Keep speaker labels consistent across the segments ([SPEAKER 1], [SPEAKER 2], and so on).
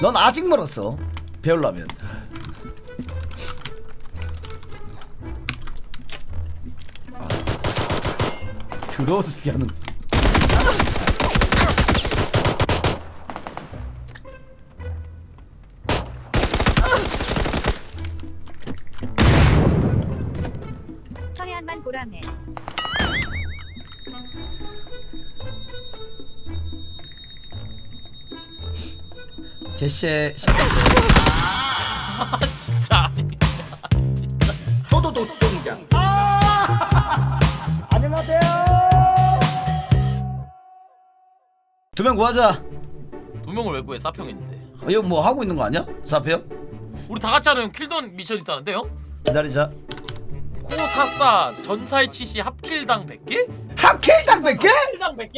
[SPEAKER 1] 넌 아직 멀었어. 배우려면. 들어서 피하는.
[SPEAKER 2] 서해안만 보라매.
[SPEAKER 1] 제시의 신발.
[SPEAKER 3] 아 진짜
[SPEAKER 1] 도도도 동장. 안녕하세요. 두 명 구하자.
[SPEAKER 3] 두 명을 왜 구해? 사평인데.
[SPEAKER 1] 이거 뭐 하고 있는 거 아니야? 사페요?
[SPEAKER 3] 우리 다 같이 하는 킬던 미션 있다는데요?
[SPEAKER 1] 기다리자.
[SPEAKER 3] 코사사 전살치시 합킬당 100개?
[SPEAKER 1] 합킬당 100개?
[SPEAKER 3] 킬당 100개?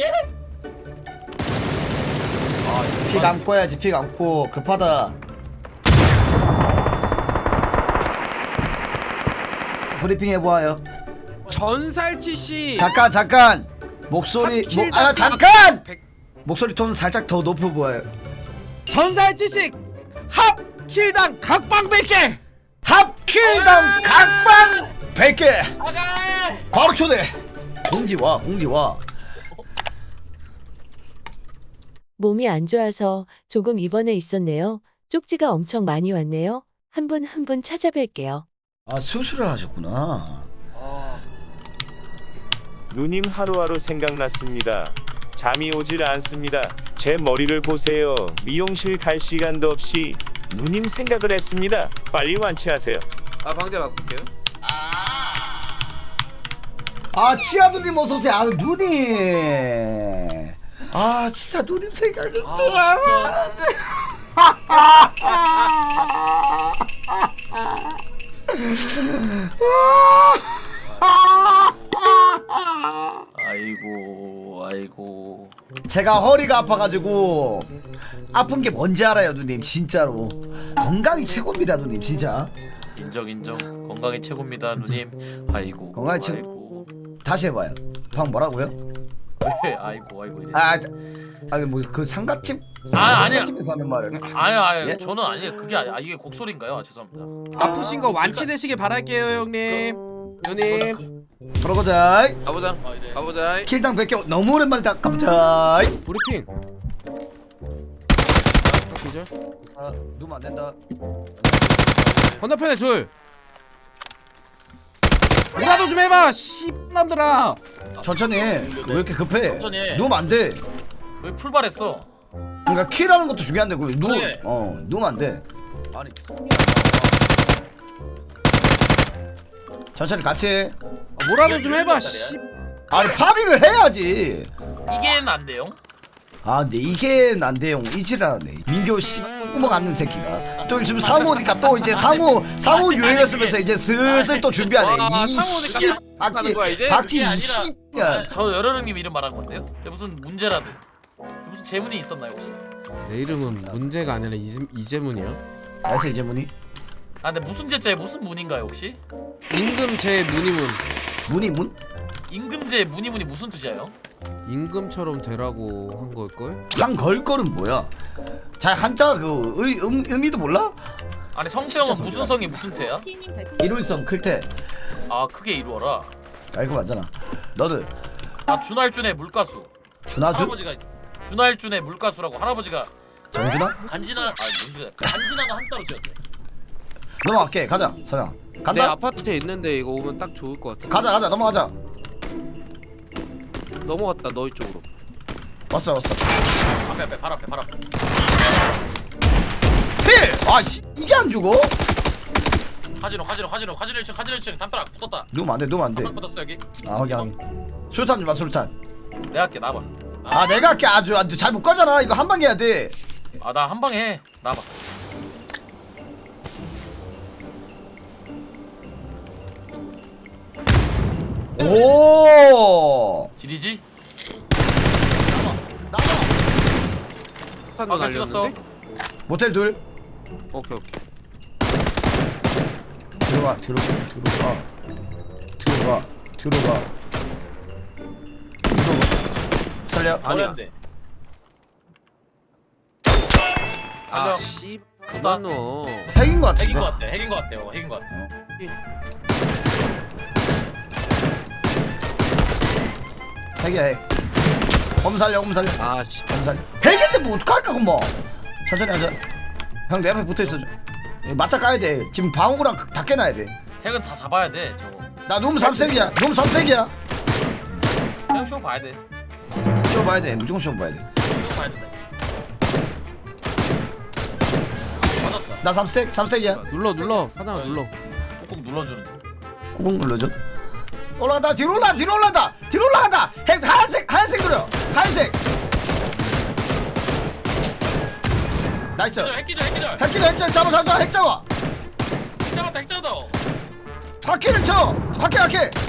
[SPEAKER 1] 피 감고 해야지. 피 감고 급하다. 브리핑 해보아요.
[SPEAKER 4] 전살치씨
[SPEAKER 1] 잠깐 목소리
[SPEAKER 4] 합킬당
[SPEAKER 1] 잠깐
[SPEAKER 4] 100
[SPEAKER 1] 목소리 톤 살짝 더 높여보아요.
[SPEAKER 4] 전살치씨 합킬당 각방 100개
[SPEAKER 1] 합킬당 각방 100개
[SPEAKER 3] 아가!
[SPEAKER 1] 바로 초대. 공지 와.
[SPEAKER 5] 몸이 안 좋아서 조금 입원해 있었네요. 쪽지가 엄청 많이 왔네요. 한 분 한 분 찾아뵐게요.
[SPEAKER 1] 아 수술을 하셨구나.
[SPEAKER 6] 누님 하루하루 생각났습니다. 잠이 오질 않습니다. 제 머리를 보세요. 미용실 갈 시간도 없이 누님 생각을 했습니다. 빨리 완치하세요.
[SPEAKER 4] 아 방제 바꿀게요.
[SPEAKER 1] 아 치아누님 어서오세요. 아 누님. 아 진짜 누님 생각이
[SPEAKER 3] 아이고.
[SPEAKER 1] 제가 허리가 아파가지고 아픈 게 뭔지 알아요 누님. 진짜로 건강이 최고입니다 누님. 진짜
[SPEAKER 3] 인정. 건강이 최고입니다, 누님. 아이고.
[SPEAKER 1] 건강이 최고.
[SPEAKER 3] 아이고.
[SPEAKER 1] 다시 해봐요. 방금 뭐라고요?
[SPEAKER 3] 왜? 아이고 이래.
[SPEAKER 1] 아니 뭐 그 상가집
[SPEAKER 3] 아니야.
[SPEAKER 1] 상가집에서 하는 말을.
[SPEAKER 3] 아니
[SPEAKER 1] 예?
[SPEAKER 3] 저는 아니에요. 그게 아니 이게 곡소리인가요? 죄송합니다.
[SPEAKER 4] 아프신 거 완치되시길 바랄게요 형님. 누님
[SPEAKER 1] 들어가자.
[SPEAKER 4] 가보자.
[SPEAKER 3] 이래.
[SPEAKER 4] 가보자.
[SPEAKER 1] 킬당 100개 너무 오랜만이다. 가보자.
[SPEAKER 4] 브리핑. 기절.
[SPEAKER 1] 아 누면 안 된다.
[SPEAKER 4] 건너편에 둘. 뭐라도 좀 해봐 씨남들아.
[SPEAKER 1] 천천히 해. 왜 이렇게 급해?
[SPEAKER 3] 천천히 해.
[SPEAKER 1] 누우면 안 돼.
[SPEAKER 3] 왜 풀발했어?
[SPEAKER 1] 그러니까 킬하는 것도 중요한데 그
[SPEAKER 3] 그래.
[SPEAKER 1] 누우면 안 돼. 아니 천천히 같이 해.
[SPEAKER 4] 뭐라도 좀 해봐 씨.
[SPEAKER 1] 아니 파밍을 해야지.
[SPEAKER 3] 이게는 안 돼요.
[SPEAKER 1] 아 근데 이게 안 돼요. 이지라네. 민교 씨 구멍 안는 새끼가 또 지금 사무니까 또 이제 사무 유행했으면서 이제 슬슬 또 준비하네.
[SPEAKER 4] 와,
[SPEAKER 1] 이
[SPEAKER 4] 사무니까
[SPEAKER 1] 씨,
[SPEAKER 4] 하는 거야, 이제?
[SPEAKER 1] 박지
[SPEAKER 3] 그게
[SPEAKER 1] 이
[SPEAKER 3] 아니라-
[SPEAKER 1] 씨야.
[SPEAKER 3] 저 여러령님 이름 말한 건데요. 무슨 문제라도 무슨 재문이 있었나요 혹시?
[SPEAKER 7] 내 이름은 문제가 아니라 이재문이요.
[SPEAKER 1] 알았어 이제문이.
[SPEAKER 3] 아 근데 무슨 제자에 무슨 문인가요 혹시?
[SPEAKER 7] 임금 제 문이문.
[SPEAKER 1] 문이 문?
[SPEAKER 3] 임금제 문이 무슨 뜻이에요?
[SPEAKER 7] 임금처럼 되라고 한 걸걸?
[SPEAKER 1] 한 걸걸은 뭐야? 자 한자 그 의미도 몰라?
[SPEAKER 3] 아니 성태형은
[SPEAKER 1] 진짜
[SPEAKER 3] 무슨 성이 무슨 태야?
[SPEAKER 2] 시인님 별풍.
[SPEAKER 1] 일월성 클테
[SPEAKER 3] 아 크게 이루어라.
[SPEAKER 1] 알고 맞잖아. 너들
[SPEAKER 3] 아 준할준의 물가수.
[SPEAKER 1] 준하준?
[SPEAKER 3] 할아버지가 준할준의 물가수라고 할아버지가
[SPEAKER 1] 정준하?
[SPEAKER 3] 간지나 뭔지 간지나는 한자로 지었대.
[SPEAKER 1] 넘어갈게. 가자 사장.
[SPEAKER 4] 내
[SPEAKER 1] 간다.
[SPEAKER 4] 아파트에 있는데 이거 오면 딱 좋을 것 같아.
[SPEAKER 1] 가자 넘어가자.
[SPEAKER 4] 넘어갔다 너희 쪽으로.
[SPEAKER 1] 왔어.
[SPEAKER 3] 앞에 발 앞에.
[SPEAKER 1] 필! 아씨 이게 안 죽어?
[SPEAKER 3] 카지노 1층 담벼락 붙었다.
[SPEAKER 1] 누우면 안 돼.
[SPEAKER 3] 담벼락 붙었어 여기.
[SPEAKER 1] 아 확인. 술탄 좀 마 술탄.
[SPEAKER 3] 내가 할게 나봐.
[SPEAKER 1] 아 내가 할게. 아주 잘 못 가잖아. 이거 한 방 해야 돼.
[SPEAKER 3] 아 나 한 방에 해. 나봐.
[SPEAKER 1] 오.
[SPEAKER 3] 지리지?
[SPEAKER 4] 탄도
[SPEAKER 3] 방금 찍었어.
[SPEAKER 4] 날렸는데?
[SPEAKER 1] 모텔 둘.
[SPEAKER 4] 오케이.
[SPEAKER 1] 들어가. 살려.
[SPEAKER 4] 아니야.
[SPEAKER 3] 어려운데. 살려.
[SPEAKER 7] 아씨
[SPEAKER 3] 좋다.
[SPEAKER 7] 그만 넣어.
[SPEAKER 1] 핵인 거 같은데.
[SPEAKER 3] 핵인 것 같아. 핵인 것 같아요. 핵인 것 같아.
[SPEAKER 1] 핵이야 핵. 엄살려 엄살려.
[SPEAKER 7] 아씨
[SPEAKER 1] 엄살려. 핵인데 뭐 어떡할까 그럼. 천천히 하자. 형 내 앞에 붙어있어. 맞짱 까야 돼. 지금 방어구랑 다 깨놔야 돼.
[SPEAKER 3] 핵은 다 잡아야 돼. 저거.
[SPEAKER 1] 나 룸 3색이야. 룸 3색이야.
[SPEAKER 3] 형 쇼 봐야 돼.
[SPEAKER 1] 쇼 봐야 돼. 무조건 쇼 봐야 돼.
[SPEAKER 3] 쇼 봐야 된다. 맞았다.
[SPEAKER 1] 나 3색이야.
[SPEAKER 7] 눌러 사장아 눌러.
[SPEAKER 3] 꾹꾹 눌러주는 중.
[SPEAKER 1] 꾹꾹 눌러줘. 올라간다. 뒤로 올라간다. 뒤로 올라간다. 핵 하얀색 그려. 하얀색. 나이스.
[SPEAKER 3] 핵기절.
[SPEAKER 1] 핵 잡아. 핵 잡아.
[SPEAKER 3] 핵 잡았다.
[SPEAKER 1] 바퀴를 쳐. 바퀴.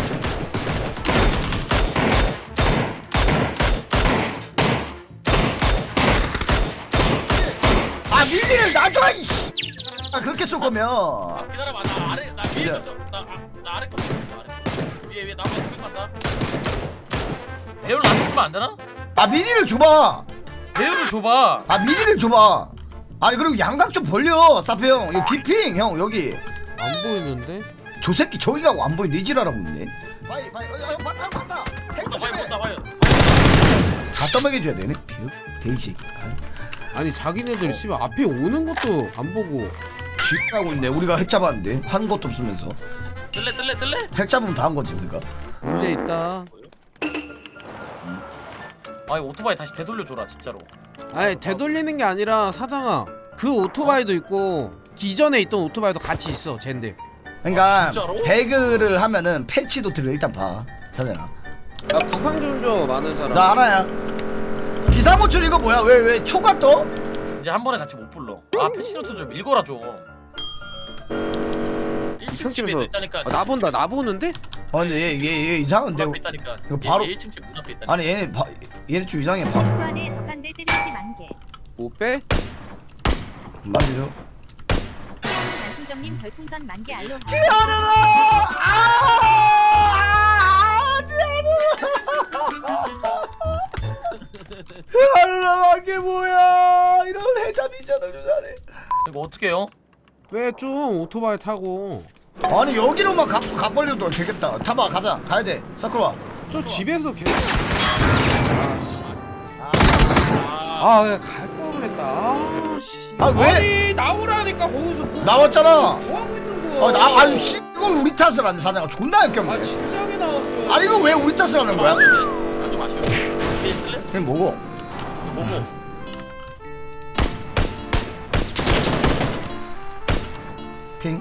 [SPEAKER 1] 아 미니를 놔줘 이씨. 아 그렇게 쏠 거면.
[SPEAKER 3] 기다려봐. 나 아래 나 위에 있어. 나 아래 거 있어. 아래. 위에 나무 좀 갔다. 배율 나한테 주면 안 되나?
[SPEAKER 1] 아 미니를 줘봐.
[SPEAKER 3] 배율을 줘봐.
[SPEAKER 1] 아 미니를 줘봐. 아니 그리고 양각 좀 벌려. 사페 형. 이거 기핑 형 여기.
[SPEAKER 7] 안 보이는데?
[SPEAKER 1] 저 새끼 저기가 안 보이 니지라라고 있네. 바이 형 봤다. 핵 조심해.
[SPEAKER 3] 봐요.
[SPEAKER 1] 다 떠먹여줘야 되네. 돼지.
[SPEAKER 7] 아니 자기네들 씨발 앞에 오는 것도 안 보고.
[SPEAKER 1] 쥐하고 있네. 우리가 핵 잡았는데 한 것도 없으면서.
[SPEAKER 3] 뜰래?
[SPEAKER 1] 핵 잡으면 다 한 거지 우리가.
[SPEAKER 7] 문제 있다.
[SPEAKER 3] 아, 오토바이 다시 되돌려줘라 진짜로.
[SPEAKER 7] 아니 되돌리는 게 아니라 사장아 그 오토바이도 있고 기존에 있던 오토바이도 같이 있어 젠데.
[SPEAKER 1] 그러니까
[SPEAKER 3] 진짜로?
[SPEAKER 1] 배그를 하면은 패치 노트를 일단 봐. 사장아.
[SPEAKER 7] 나 구상 좀 줘 많은 사람.
[SPEAKER 1] 나 하나야. 비상호출 이거 뭐야? 왜 초가 떠?
[SPEAKER 3] 이제 한 번에 같이 못 불러. 아, 패시노트 좀 읽어라 좀. 1층 집에
[SPEAKER 7] 편집에서
[SPEAKER 3] 있다니까.
[SPEAKER 7] 나 본다 나 보는데?
[SPEAKER 1] 아니 얘 이상한데.
[SPEAKER 3] 문 앞에 있다니까.
[SPEAKER 1] 이거 바로-
[SPEAKER 3] 1층 집 문 앞에 있다니까.
[SPEAKER 1] 아니 얘네 좀 이상해.
[SPEAKER 2] 주 안에 적한대 때리지 만개.
[SPEAKER 7] 못 빼?
[SPEAKER 1] 맞죠?
[SPEAKER 2] 안순정님 별풍선 만개 알로.
[SPEAKER 1] 지하늘아! 지하늘아 이게 뭐야? 이런 해자 미션을 주자네.
[SPEAKER 3] 이거 어떻게 해요?
[SPEAKER 7] 왜 좀 오토바이 타고.
[SPEAKER 1] 아니 여기로만 가버려도 되겠다. 타봐 가자. 가야 돼. 서클 와.
[SPEAKER 7] 저 집에서 계속.
[SPEAKER 3] 아,
[SPEAKER 7] 아갈 걸 그랬다. 아씨.
[SPEAKER 1] 아 왜?
[SPEAKER 7] 아니 나오라니까 거기서 뭐
[SPEAKER 1] 나왔잖아.
[SPEAKER 7] 뭐 하고 있는 거야?
[SPEAKER 1] 아니 씨 이거 우리 탓을 하는 사장아 존나 역겹네.
[SPEAKER 7] 아 진작에 나왔어.
[SPEAKER 1] 아니 이거 왜 우리 탓을 하는 거야?
[SPEAKER 3] 좀 아쉬워. 위에 있을래?
[SPEAKER 1] 그게 뭐고?
[SPEAKER 3] 뭐고?
[SPEAKER 1] 핑.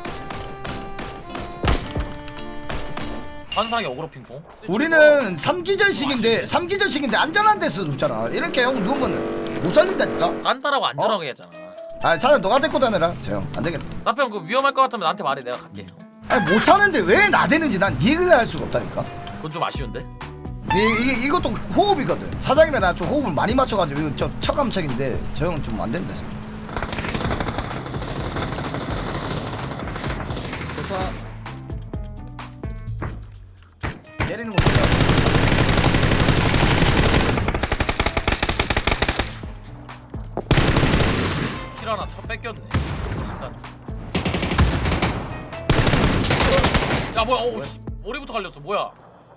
[SPEAKER 3] 환상의 어그로 핑퐁.
[SPEAKER 1] 우리는 3기전식인데 안전한 데서 눕잖아. 이렇게 형 누우면은 못 살린다니까.
[SPEAKER 3] 간단하고 안전하게 했잖아.
[SPEAKER 1] 아 사장 너가 데리고 다녀라. 재영 안 되겠다.
[SPEAKER 3] 나편 그 위험할 것 같으면 나한테 말해. 내가 갈게.
[SPEAKER 1] 아니 못하는데 왜 나대는지 난 이해를 할 수가 없다니까.
[SPEAKER 3] 그건 좀 아쉬운데.
[SPEAKER 1] 이것도 호흡이거든. 사장이랑 나 좀 호흡을 많이 맞춰가지고 이거 저 척감척인데 저 형은 좀 안 된다 지금. 좋다. 내리는 거 보자.
[SPEAKER 3] 킬 하나 첫 뺏겼네. 이 순간. 야 뭐야? 어우 씨. 머리부터 갈렸어. 뭐야?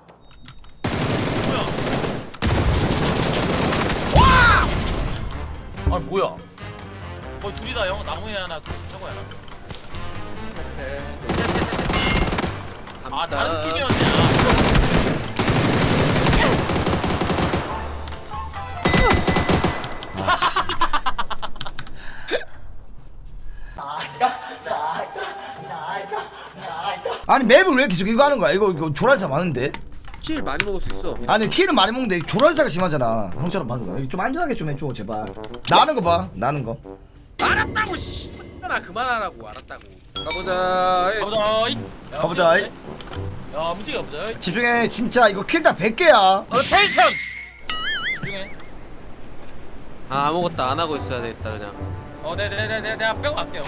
[SPEAKER 3] 아 뭐야? 거의 둘이다 형. 나무에 하나, 저거야. 아 다른 팀이었냐?
[SPEAKER 1] 아니 맵을 왜 계속 이거 하는 거야? 이거 조랄사 많은데.
[SPEAKER 7] 킬 많이 먹을 수 있어.
[SPEAKER 1] 아니 키는 많이 먹는데 조랄사가 심하잖아. 형처럼 하는 거. 좀 안전하게 좀 해줘 제발. 나는 거 봐. 나는 거.
[SPEAKER 7] 알았다고 씨. 나 그만하라고 알았다고. 가보자.
[SPEAKER 3] 가보자.
[SPEAKER 1] 가보자.
[SPEAKER 3] 야 움직여 보자.
[SPEAKER 1] 집중해. 진짜 이거 킬 다 100개야.
[SPEAKER 3] 텐션. 집중해.
[SPEAKER 7] 아 아무것도 안 하고 있어야 되겠다 그냥.
[SPEAKER 3] 네네네네 내가 빼고 갈게요.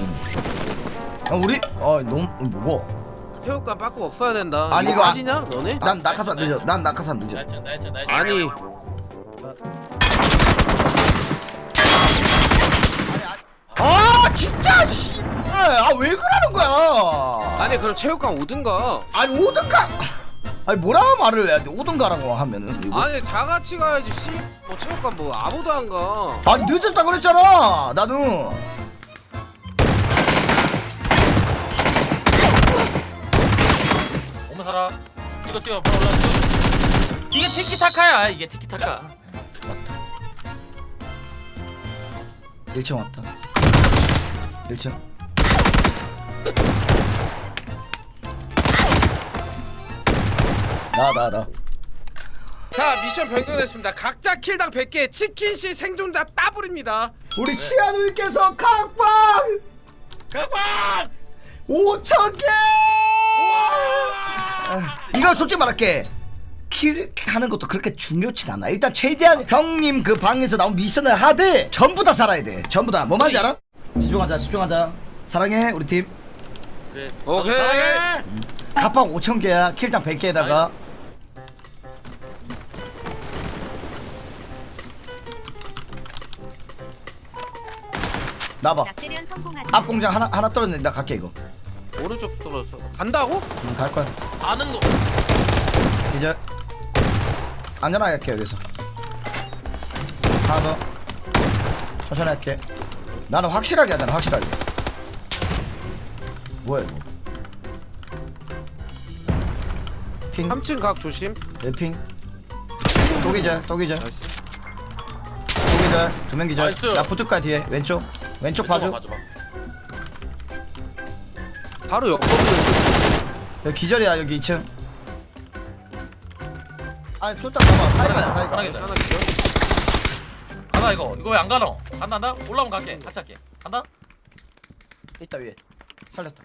[SPEAKER 1] 우리 너무 뭐고?
[SPEAKER 7] 새우깡 빠꾸 없어야 된다.
[SPEAKER 1] 아니,
[SPEAKER 7] 이거
[SPEAKER 1] 이거
[SPEAKER 7] 빠지냐 너네?
[SPEAKER 1] 난 낙하산 늦어. 난 낙하산 늦어.
[SPEAKER 3] 나이스.
[SPEAKER 7] 아니
[SPEAKER 1] 아 왜 그러는 거야?
[SPEAKER 7] 아니 그럼 체육관 오든가.
[SPEAKER 1] 아니 오든가. 아니 뭐라 말을 해야 돼? 오든가라고 하면은 이거.
[SPEAKER 7] 아니 다 같이 가야지. 뭐 체육관 뭐 아무도 안 가.
[SPEAKER 1] 아니 늦었다 그랬잖아. 나는.
[SPEAKER 3] 오면 살아. 찍어 바로 올라. 이게 티키타카야. 이게 티키타카.
[SPEAKER 1] 왔다. 1층 왔다. 1층. 나.
[SPEAKER 7] 자 미션 변경됐습니다. 각자 킬당 100개 치킨씨 생존자 따블입니다.
[SPEAKER 1] 우리 치아누님께서 각방 5,000개. 이거 솔직히 말할게. 킬 하는 것도 그렇게 중요치 않아. 일단 최대한 형님 그 방에서 나온 미션을 하되 전부 다 살아야 돼. 전부 다. 뭐 말인지 알아? 집중하자. 사랑해 우리 팀.
[SPEAKER 3] 그래.
[SPEAKER 7] 오케이.
[SPEAKER 1] 각방 5,000개야. 킬당 100개에다가. 나봐.
[SPEAKER 2] 낙제련 성공하다.
[SPEAKER 1] 앞 공장 하나 떨어졌는데 나 갈게 이거.
[SPEAKER 7] 오른쪽 떨어져. 간다고?
[SPEAKER 1] 갈 거야.
[SPEAKER 3] 아는 거.
[SPEAKER 1] 이제 안전하게 할게 여기서. 하나 더. 천천히 할게. 나는 확실하게 하잖아. 확실하게. 뭐야 이거? 핑.
[SPEAKER 7] 3층 각 조심.
[SPEAKER 1] 핑. 또 기절. 또 기절. 두 명 기절.
[SPEAKER 3] 나이스.
[SPEAKER 1] 나 붙을까 뒤에. 왼쪽 봐줘.
[SPEAKER 3] 봐줘.
[SPEAKER 7] 바로 옆으로.
[SPEAKER 1] 여기 기절이야 여기 2층. 아니 쏠딱 봐봐. 사이가야 사이가.
[SPEAKER 3] 하나 기절. 가자 이거 왜 안 가노? 간다. 올라오면 갈게. 같이 할게. 간다.
[SPEAKER 1] 있다 위에. 살렸다.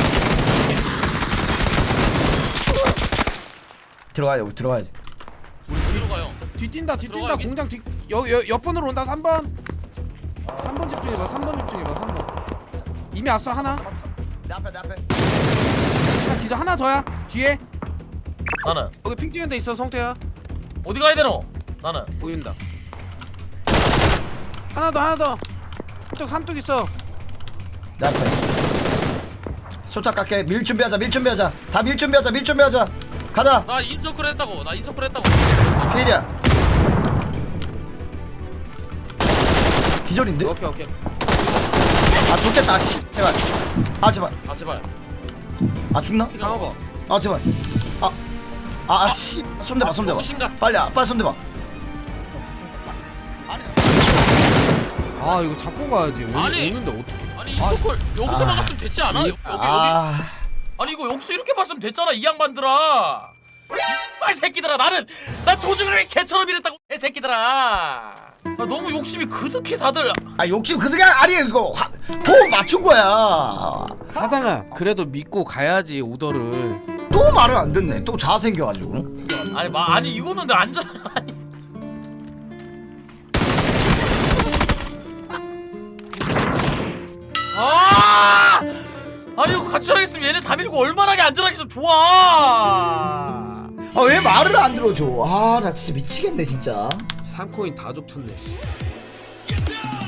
[SPEAKER 1] 들어가야지.
[SPEAKER 3] 우리 뒤로 가요.
[SPEAKER 7] 뒤뛴다
[SPEAKER 3] 들어가,
[SPEAKER 7] 공장 뒤 옆번으로 온다. 3번 집중해봐. 3번 이미 앞서 하나.
[SPEAKER 1] 내 앞에.
[SPEAKER 7] 자, 기절 하나 더야. 뒤에
[SPEAKER 3] 나는
[SPEAKER 7] 여기 핑 찍은 데 있어. 성태야
[SPEAKER 3] 어디 가야 되노? 나는
[SPEAKER 7] 보인다. 하나 더 한쪽 삼뚝 있어.
[SPEAKER 1] 내 앞에. 쏠딱 깎게. 밀 준비하자. 다 밀 준비하자. 가자.
[SPEAKER 3] 나 인서클 했다고.
[SPEAKER 1] 케일이야. 기절인데?
[SPEAKER 7] 오케이.
[SPEAKER 1] 아 좋겠다. 씨. 제발. 아 제발.
[SPEAKER 3] 아 제발.
[SPEAKER 1] 아 죽나?
[SPEAKER 7] 강호거.
[SPEAKER 1] 아 제발. 씨. 손대봐.
[SPEAKER 3] 정신가.
[SPEAKER 1] 빨리 손대봐.
[SPEAKER 7] 아 이거 잡고 가야지.
[SPEAKER 3] 아니.
[SPEAKER 7] 오는데 어떡해.
[SPEAKER 3] 아니 인서클 여기서 막았으면 됐지 않아? 여기. 아니 이거 여기서 이렇게 봤으면 됐잖아 이 양반들아. 이빨 새끼들아 나 조직을 개처럼 이랬다고 이 새끼들아. 너무 욕심이 그득해 다들.
[SPEAKER 1] 욕심 그득이 아니 이거 호흡 맞춘 거야.
[SPEAKER 7] 사장아 그래도 믿고 가야지 오더를.
[SPEAKER 1] 또 말을 안 듣네. 또 자아 생겨가지고.
[SPEAKER 3] 아니 이거는 내 안전 아니. 아니 이거 같이 하겠으면 얘네 다 밀고 얼마나 안전하게 있으면 좋아.
[SPEAKER 1] 왜 말을 안 들어줘. 나 진짜 미치겠네 진짜.
[SPEAKER 7] 3코인 다 족쳤네.